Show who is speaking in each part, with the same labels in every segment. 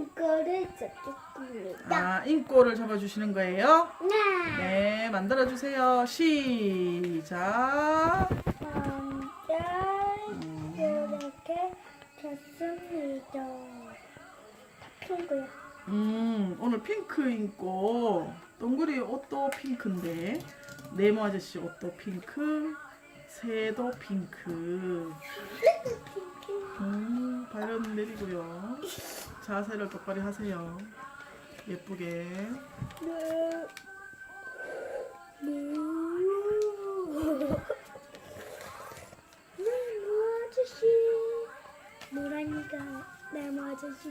Speaker 1: 인꼬를 잡겠습니다.
Speaker 2: 아, 인꼬를 잡아주시는 거예요?
Speaker 1: 네.
Speaker 2: 네, 만들어주세요. 시작.
Speaker 1: 먼저 이렇게 잡습니다. 다 핑크야.
Speaker 2: 오늘 핑크 인꼬. 동그리 옷도 핑크인데 네모 아저씨 옷도 핑크, 새도 핑크. 발은 내리고요. 자세를 똑바로 하세요. 예쁘게.
Speaker 1: 네. 네모 아저씨. 노란이가 네모 아저씨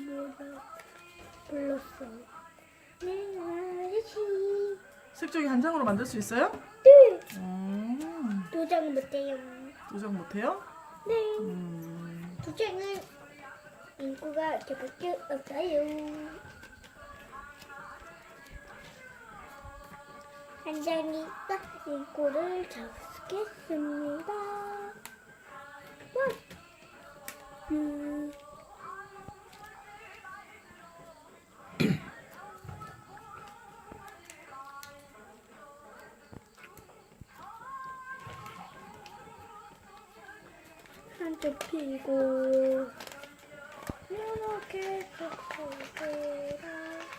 Speaker 1: 불렀어. 네모 아저씨.
Speaker 2: 색종이 한 장으로 만들 수 있어요?
Speaker 1: 네. 도장 못해요.
Speaker 2: 도장 못해요?
Speaker 1: 네.
Speaker 2: 음,
Speaker 1: 도장은 인구가 이렇게밖에 없어요. 한 장이니까 인구를 잡겠습니다. 한쪽 피고 이렇게 잡고라.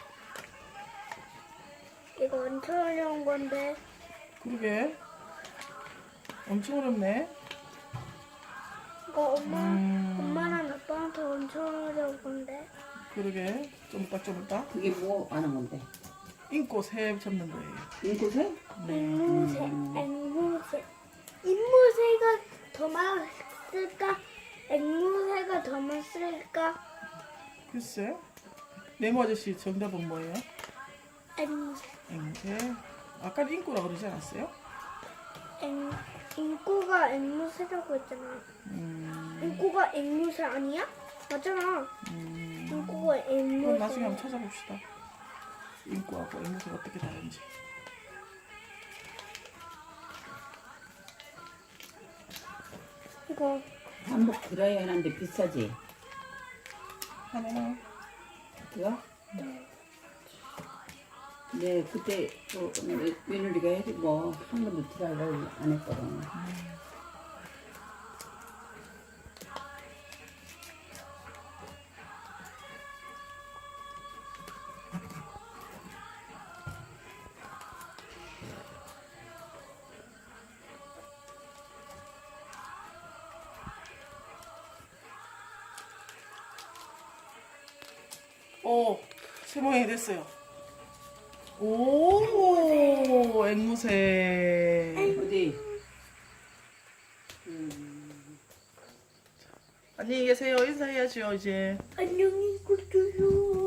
Speaker 1: 이거 엄청 어려운 건데.
Speaker 2: 그러게. 엄청 어렵네.
Speaker 1: 이거 엄마랑 아빠한테 엄청 어려운 건데.
Speaker 2: 그러게. 좀 이따.
Speaker 3: 그게 뭐 하는 건데?
Speaker 2: 인꼬 새 잡는 거예요.
Speaker 3: 인구새?
Speaker 1: 앵무새. 앵무새가 더 맛있을까? 앵무새가 더 맛있을까?
Speaker 2: 글쎄. 네모 아저씨 정답은 뭐예요?
Speaker 1: 앵무새.
Speaker 2: 앵무새. 아까 인꼬라 그러지 않았어요?
Speaker 1: 인꼬가 앵무새라고 했잖아. 인꼬가 앵무새 아니야? 맞잖아. 인꼬가
Speaker 2: 그럼
Speaker 1: 앵무새.
Speaker 2: 나중에 한번 찾아봅시다. 인꼬하고 앵무새가 어떻게 다른지.
Speaker 1: 이거
Speaker 3: 한복 드라이 하는데 비싸지?
Speaker 2: 하나.
Speaker 3: 그거? 네, 그때 또 며느리가 해주고 한 번도 드라이를 안 했거든.
Speaker 2: 오, 새 모양이 됐어요. 오, 앵무새.
Speaker 3: 어디?
Speaker 2: 안녕히 계세요. 인사해야죠, 이제.
Speaker 1: 안녕히 계세요.